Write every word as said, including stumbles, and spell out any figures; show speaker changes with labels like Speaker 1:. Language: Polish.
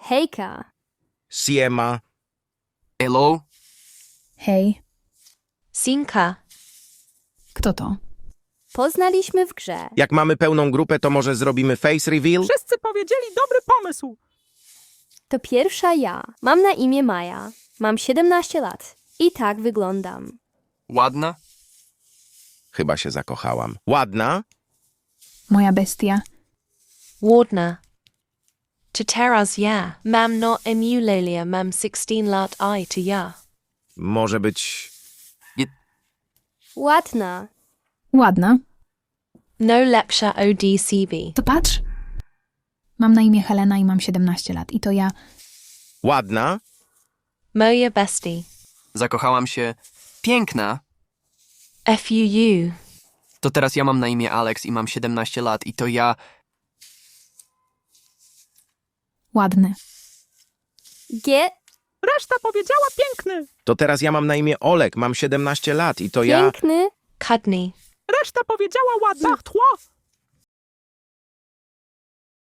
Speaker 1: Hejka.
Speaker 2: Siema.
Speaker 3: Hello?
Speaker 4: Hej,
Speaker 5: Sinka.
Speaker 4: kto to?
Speaker 1: Poznaliśmy w grze.
Speaker 2: Jak mamy pełną grupę, to może zrobimy face reveal?
Speaker 6: Wszyscy powiedzieli dobry pomysł.
Speaker 1: To pierwsza ja. Mam na imię Maja. Mam siedemnaście lat. I tak wyglądam.
Speaker 3: Ładna?
Speaker 2: Chyba się zakochałam. Ładna?
Speaker 4: Moja bestia.
Speaker 5: Wardner. To teraz ja. Mam no emulelia mam sixteen lat I to ja.
Speaker 2: Może być...
Speaker 1: Ładna.
Speaker 4: Ładna.
Speaker 5: No lepsza O D C V.
Speaker 4: To patrz. Mam na imię Helena i mam siedemnaście lat. I to ja.
Speaker 2: Ładna?
Speaker 5: Moja bestie.
Speaker 3: Zakochałam się. Piękna.
Speaker 5: F U U.
Speaker 3: To teraz ja mam na imię Alex i mam siedemnaście lat i to ja...
Speaker 4: Ładny.
Speaker 1: G.
Speaker 6: Reszta powiedziała piękny.
Speaker 2: To teraz ja mam na imię Olek, mam siedemnaście lat i to ja...
Speaker 1: Piękny.
Speaker 5: Cudney.
Speaker 6: Reszta powiedziała ładny. Partrois.